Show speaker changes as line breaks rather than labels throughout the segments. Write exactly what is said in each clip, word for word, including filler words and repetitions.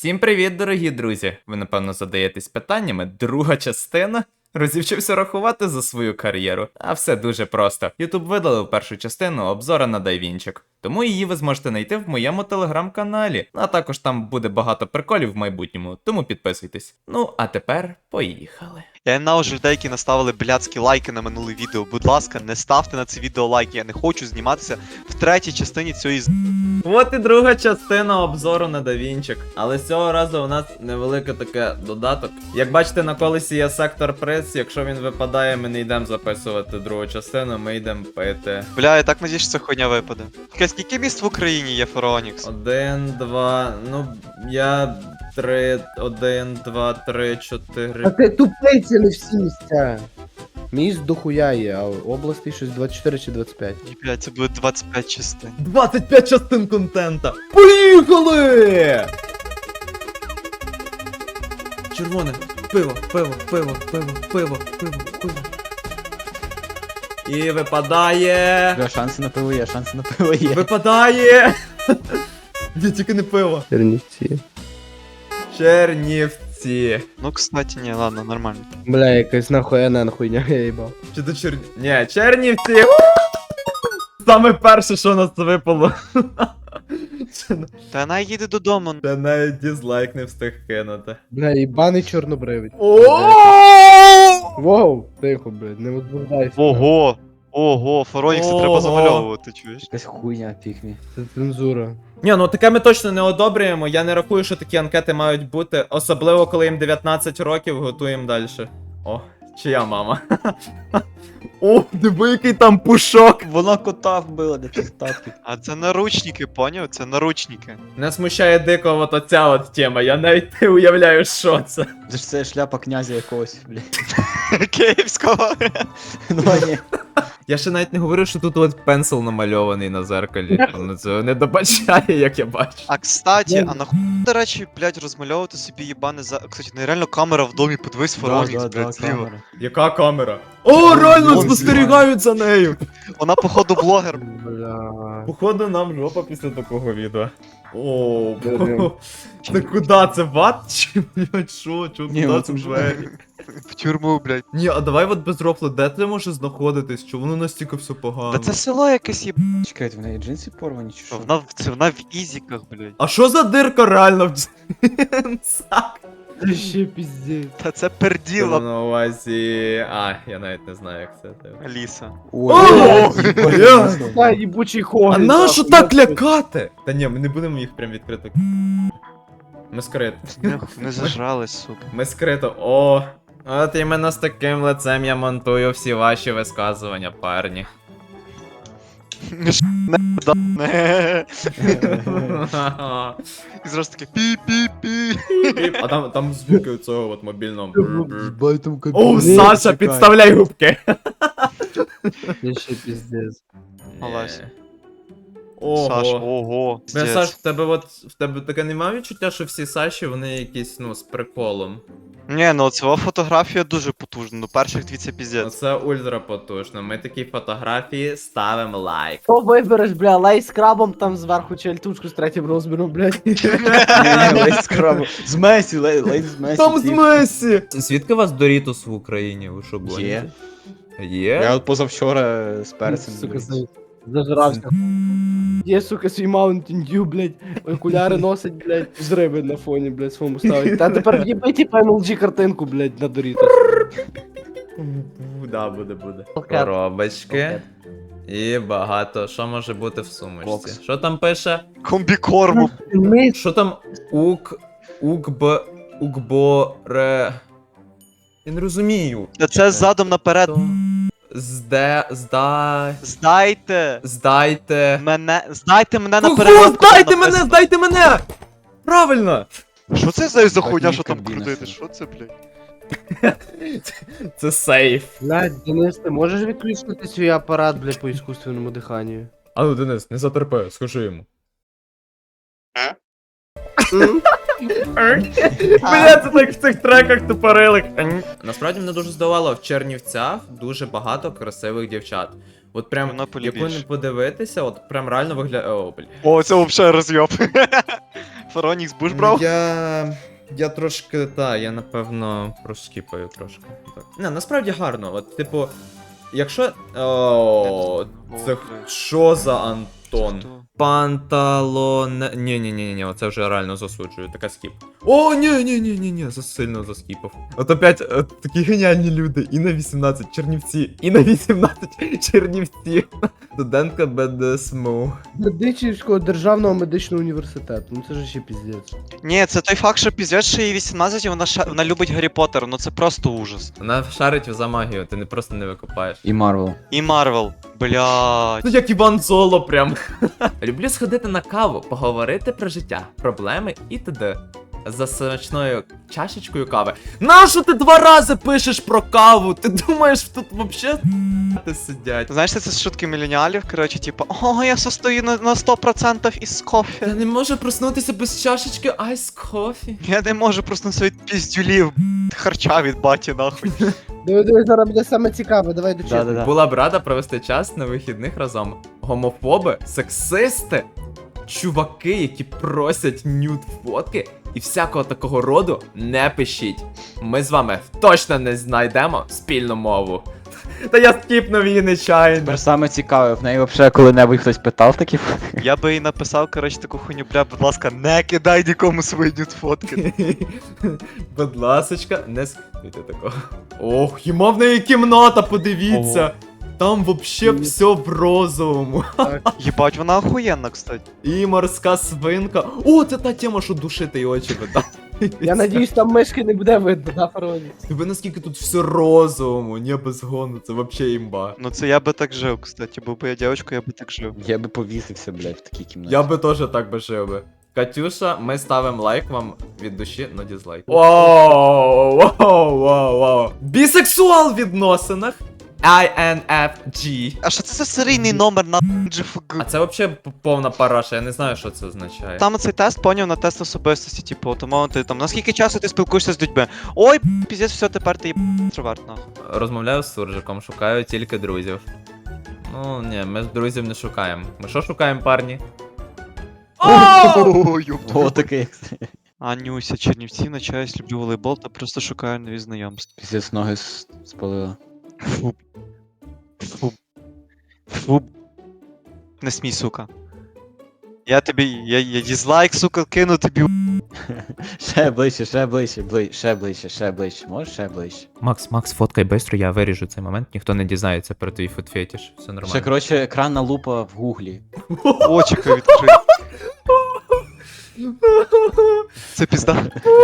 Всім привіт, дорогі друзі! Ви, напевно, задаєтесь питаннями. Друга частина? Розівчився рахувати за свою кар'єру. А все дуже просто. Ютуб видалив першу частину обзора на Дайвінчик. Тому її ви зможете знайти в моєму телеграм-каналі. А також там буде багато приколів в майбутньому, тому підписуйтесь. Ну, а тепер поїхали.
Я ненавиджу людей, які наставили блядські лайки на минуле відео. Будь ласка, не ставте на це відео лайки. Я не хочу зніматися в третій частині цієї з...
От і друга частина обзору на Дайвінчик. Але з цього разу у нас невелике таке додаток. Як бачите, на колесі є сектор приз. Якщо він випадає, ми не йдемо записувати другу частину, ми йдемо пити.
Бля, я так надіюсь, що ця хуйня випаде. Таке, скільки міст в Україні є, Фаронікс?
Один, два, ну, я три, один, два, три,
А
чотири.
ти тупий, це не всі місця. Міст дохуя є, а області щось двадцять чотири чи двадцять п'ять.
Ні, блядь, це буде двадцять п'ять частин.
двадцять п'ять частин контента. Поїхали! Червоне. Пиво, пиво, пиво, пиво, пиво, пиво, пиво. І випадає.
Бля, шанси на пиво є, шанси на пиво є.
Випадає. Ні, тільки не пиво.
Чернівці.
Чернівці.
Ну, кстати, ні, ладно, нормально.
Бля, якась нахуй ен хуйня, я їбав.
Чи до Черні... Ні, Чернівці. Саме перше, що у нас випало.
Та вона їде додому.
Та навіть дізлайк не встиг кинути.
Бля, їбаний чорнобривець.
О!
Воу, тихо, блядь, не возбуждайся.
Ого! Ого, Фаронікс, це треба
Ого.
замальовувати, чуєш?
Якась хуйня, пікмі.
Це цензура.
Ні, ну таке ми точно не одобрюємо. Я не рахую, що такі анкети мають бути. Особливо, коли їм дев'ятнадцять років, готуємо далі. О, чия мама? О, диви, який там пушок!
Вона кота вбила, де статки.
А це наручники, поняв? Це наручники.
Не смущає дико от оця от тема, я навіть не уявляю, що це.
Це ж це шляпа князя якогось, блядь.
Київського.
Ну а ні.
Я ще навіть не говорив, що тут от пенсил намальований на зеркалі. Воно цього не добачає, як я бачу.
А кстати, а нахуй, до речі, блядь, розмальовувати собі їбане за... Кстати, нереально камера в домі, подивись, Фаронікс, блядь, зліва.
Яка камера? О, реально
Вон
спостерігають за нею!
Вона, походу, блогер.
Бля.
Походу нам жопа після такого відео. О,
Блін.
та куди це ват? Чи, блядь, що? Чого
Ні,
туди
ну
це
це ж-
двері?
В тюрму, блядь.
Ні, а давай от без рофлу, де це може знаходитись? Чому воно настільки все погано?
Та це село якесь є.
Чекайте, в неї джинси порвані чи що?
Вона, в- це вона в ізіках, блядь.
А що за дирка реально в джинсах?
Це ще піздець.
Та це
Діло
перділа,
на увазі... А, я навіть не знаю, як це. типу.
Аліса.
О,
Ой,
бля.
Та їбучий
А
хогін.
нащо так лякати? Та ні, ми не будемо їх прям відкрито. Ми скрито.
Не, не зажрались, сука.
Ми скрито. О! От іменно з таким лицем я монтую всі ваші висказування, парні.
Не. І зразу таке пі-пі-пі.
А там, там звуки цього от мобільного.
Їбай там
О, Саша, підставляй губки!
Це ще піздець.
Олесь.
Ого.
Саш, ого.
Бля,
Здець.
Саш, в тебе от в тебе таке немає відчуття, що всі Саші, вони якісь, ну, з приколом.
Ні, ну ця фотографія дуже потужна, ну перших дві це піздець.
Оце ультра потужно. Ми такі фотографії ставимо лайк.
Що вибереш, бля, лай з крабом там зверху чи альтушку з третім розміром, блядь.
Лейс з крабу. З Месі, лей- лейс з Месі.
Там з
тіп.
Месі! Звідки у вас Дорітос в Україні? Ви що, гоните?
Є.
Є?
Я от позавчора з перцем.
Сука,
блядь.
за- зажрався. Є, сука, свій Mountain Dew, блядь, окуляри носить, блядь, з риби на фоні, блядь, своєму ставить. Та тепер в'єби, типа, ем ел джі картинку, блядь, на Doritos.
Да, буде, буде.
Пакет.
Коробочки. І багато. Що може бути в сумочці?
Бокс.
Що там пише?
Комбікорму.
Ми
Що там ук. Укб. Укборе. Я не розумію.
Та це задом наперед.
Зде. Здай.
Здайте
Здайте.
мене. Здайте мене наперед.
Кого?
от там
Здайте мене!
написано.
Здайте мене! Правильно!
Що це за, за
Так,
хуйня,
ні,
що там
кабіна
крутити?
собі.
Що це, блядь?
Це сейф.
Блядь, Денис, ти можеш відключити свій апарат, блядь, по іскусственному диханню?
А ну, Денис, не затерпи, скажи йому. Бля, це так в цих треках тупорилик. Насправді мене дуже здавало, в Чернівцях дуже багато красивих дівчат. От прям,
Монополі
яку не
більше.
подивитися, от прям реально виглядає. О, бля.
О, це взагалі розйоб. Фаронікс, будеш брав?
Я. Я трошки, та, я напевно проскіпаю трошки. Так. Не, насправді гарно. От, типу, якщо. О, це що за Антон?
Хто?
Панталоне. Ні, ні, ні, ні, оце вже реально засуджую. Така скіп. О, ні, ні, ні, ні, ні, засильно заскіпав. От опять от, такі геніальні люди. І на вісімнадцять Чернівці, і на вісімнадцять Чернівці. Студентка БДСМУ.
Медичівського державного медичного університету. Ну це ж ще піздець.
Ні, це той факт, що піздець, що їй вісімнадцять, і вона, ша... вона любить Гаррі Поттера, ну це просто ужас.
Вона шарить за магію, ти не просто не викопаєш.
І Марвел.
І Марвел, блядь.
Ну як Іван Соло прям. Люблю сходити на каву, поговорити про життя, проблеми і т.д. За смачною чашечкою кави. Нащо ти два рази пишеш про каву? Ти думаєш, тут вообще сидять?
Знаєш, це з шутки міленіалів, коротше, типу, о, я состою на, на сто відсотків із кофе.
Я не можу проснутися без чашечки айс кофі.
Я не можу проснутися від піздюлів, б***ь, харча від баті, нахуй.
Диви, диви, зараз буде саме цікаве, давай до чого.
Да-да-да.
Була б рада провести час на вихідних разом. Гомофоби, сексисти, чуваки, які просять нюд фотки і всякого такого роду, не пишіть. Ми з вами точно не знайдемо спільну мову. Та я скіпнув її нечайно.
Тепер саме цікаве, в неї взагалі коли-небудь хтось питав такі.
Я би їй написав, коротше, таку хуйню, бля, будь ласка, не кидай нікому свої нюд фотки.
Будь ласочка, не скидайте такого. Ох, йому в неї кімната, подивіться. Там вообще все в розовому.
Єбать, вона охуєнна, кстати.
І морська свинка. О, це та тема, що душити і очі видати.
Я надіюсь, там мишки не буде видно, да, Фароні?
Тебе наскільки тут все розовому, не без гону, це вообще імба.
Ну це я би так жив, кстати, був би я дівчинка, я би так жив.
Я би повісився, блядь, в такій кімнаті.
Я би теж так би жив би. Катюша, ми ставимо лайк вам від душі, но дізлайк. Воу, воу, воу, воу. Бісексуал в відносинах. ай ен еф джі.
А що це за серійний номер на джі еф гі?
А це вообще п- повна параша, я не знаю, що це означає.
Там цей тест поняв на тест особистості, типу, тому ти там наскільки часу ти спілкуєшся з людьми. Ой, піздець, все, тепер ти є інтроверт, нахуй.
Розмовляю з суржиком, шукаю тільки друзів. Ну, ні, ми друзів не шукаємо. Ми що шукаємо, парні?
Ой,
О, таке як це.
Анюся, Чернівці, навчаюсь, люблю волейбол та просто шукаю нові знайомства.
Піздець ноги с- спалила.
Фу. Фу. Фу. Не смій, сука. Я тобі, я, я дізлайк, сука, кину тобі.
Ще ближче, ще ближче, бли... ще ближче, ще ближче. Можеш ще ближче?
Макс, Макс, фоткай бистро, я виріжу цей момент, ніхто не дізнається про твій футфетіш, все нормально.
Ще, коротше, екранна лупа в гуглі.
Очіка відкрив. Це пізда.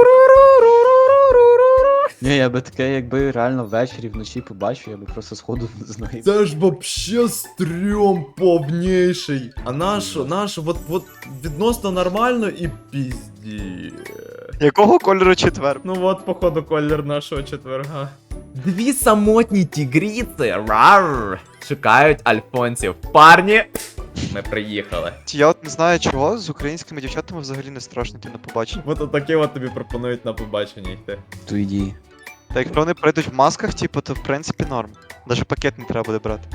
Ні, я би таке, якби реально ввечері, вночі побачив, я би просто сходу з ноги.
Це ж вообще стрьом повніший. А нащо, нащо, от, от відносно нормально і пізді.
Якого кольору четвер?
Ну от, походу, колір нашого четверга. Дві самотні тігріці, рар, шукають альфонсів. Парні, ми приїхали.
Я от не знаю чого, з українськими дівчатами взагалі не страшно йти на побачення.
От отакі от тобі пропонують на побачення йти.
То йди.
Та якщо вони прийдуть в масках, типу, то в принципі норм. Даже пакет не треба буде брати.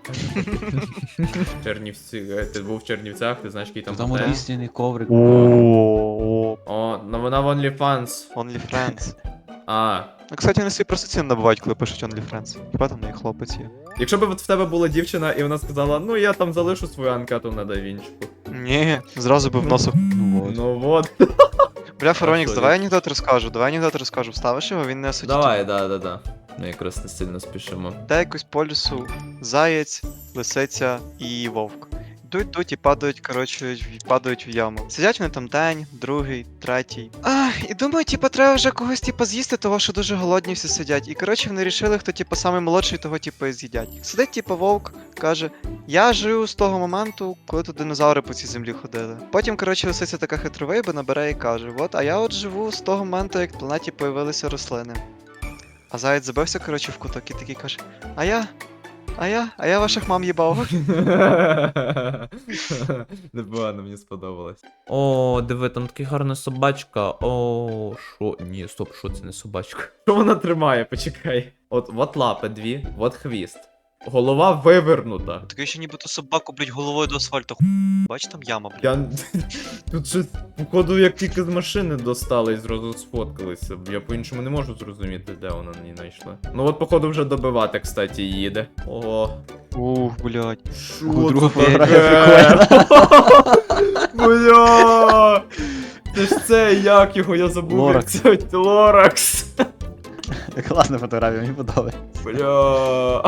Чернівці, е, ти був в Чернівцях, ти знаєш, який там
Там
готель?
однісний коврик.
О,
О, ну вона в OnlyFans.
OnlyFriends.
А,
Ну, кстати, вони собі просто ціни набувають, коли пишуть OnlyFriends. Хіба там не хлопець є?
якщо б от в тебе була дівчина і вона сказала, ну я там залишу свою анкету на давінчику.
Ні, зразу би в носу.
Ну от.
Ну от.
Бля, Фаронікс,
що,
давай анекдот розкажу, давай анекдот розкажу. Вставиш його, він не осудить.
Давай, да, да, да. Ми якраз не сильно спішимо.
Та якось по лісу заєць, лисиця і вовк. Йдуть, йдуть і падають, коротше, в- падають в яму. Сидять вони там день, другий, третій. А, і думаю, типа, треба вже когось типа з'їсти, того що дуже голодні всі сидять. І коротше вони рішили, хто типа самий молодший, того типа і з'їдять. Сидить, типа, вовк, каже: Я живу з того моменту, коли тут динозаври по цій землі ходили. Потім, коротше, лисиця така хитровейба набере і каже: От, а я от живу з того моменту, як на планеті появилися рослини. А заєць забився, коротше, в куток і такий каже: А я. А я? А я ваших мам їбав.
Непогано, мені сподобалось. О, диви, там така гарна собачка. О, що? Ні, стоп, що це не собачка? Що вона тримає? Почекай. От, от лапи дві, от хвіст. голова вивернута.
Таке ще нібито собаку, блядь, головою до асфальту ху... Бач, там яма, блядь.
Я. Тут щось, походу, як тільки з машини достали і зразу сфоткалися. Я по-іншому не можу зрозуміти, де вона не знайшла. Ну от, походу, вже добивати, кстати, їде. Ого.
Ух, блядь.
Шо
О, друга
це
фотографія
таке? Бля! Це ж це, як його, я забув. як
Лоракс.
це, Лоракс.
Класна фотографія, мені подобається.
Бля.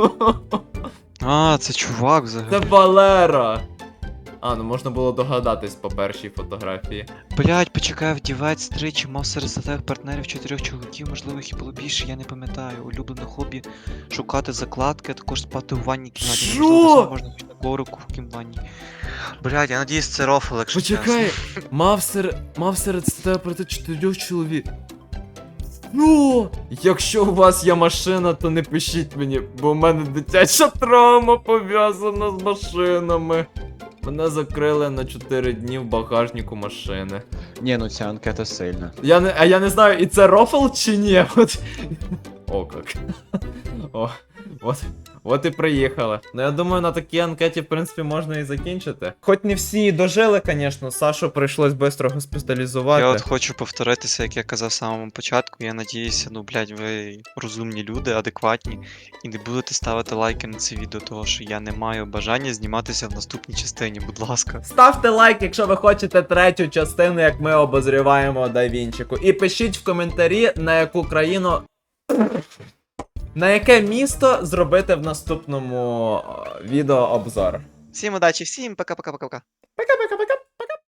А, це чувак взагалі.
Це Валера. А, ну можна було догадатись по першій фотографії.
Блядь, почекай, вдівець тричі, мав серед статевих партнерів чотирьох чоловіків, можливо, їх і було більше, я не пам'ятаю. Улюблене хобі шукати закладки, а також спати у ванній кімнаті.
Що?
Можливо, сам можна піти на коврику в кімнаті. Блядь, я надіюсь, це рофл, якщо
Почекай,
чесно.
мав серед мав серед статевих проти чотирьох чоловік. Ну, якщо у вас є машина, то не пишіть мені, бо в мене дитяча травма пов'язана з машинами. Мене закрили на чотири дні в багажнику машини.
Ні, ну ця анкета сильна.
Я не, а я не знаю, і це рофл чи ні? От. О, як. О, от. От і приїхали. Ну я думаю, на такій анкеті, в принципі, можна і закінчити. Хоч не всі дожили, звісно, Сашу прийшлось швидко госпіталізувати.
Я от хочу повторитися, як я казав в самому початку. Я надіюся, ну, блядь, ви розумні люди, адекватні, і не будете ставити лайки на це відео, того що я не маю бажання зніматися в наступній частині, будь ласка.
Ставте лайк, якщо ви хочете третю частину, як ми обозріваємо Дайвінчику. І пишіть в коментарі, на яку країну. На яке місто зробити в наступному о, відео обзор.
Всім удачі, всім пока-пока-пока-пока.
Пока-пока-пока.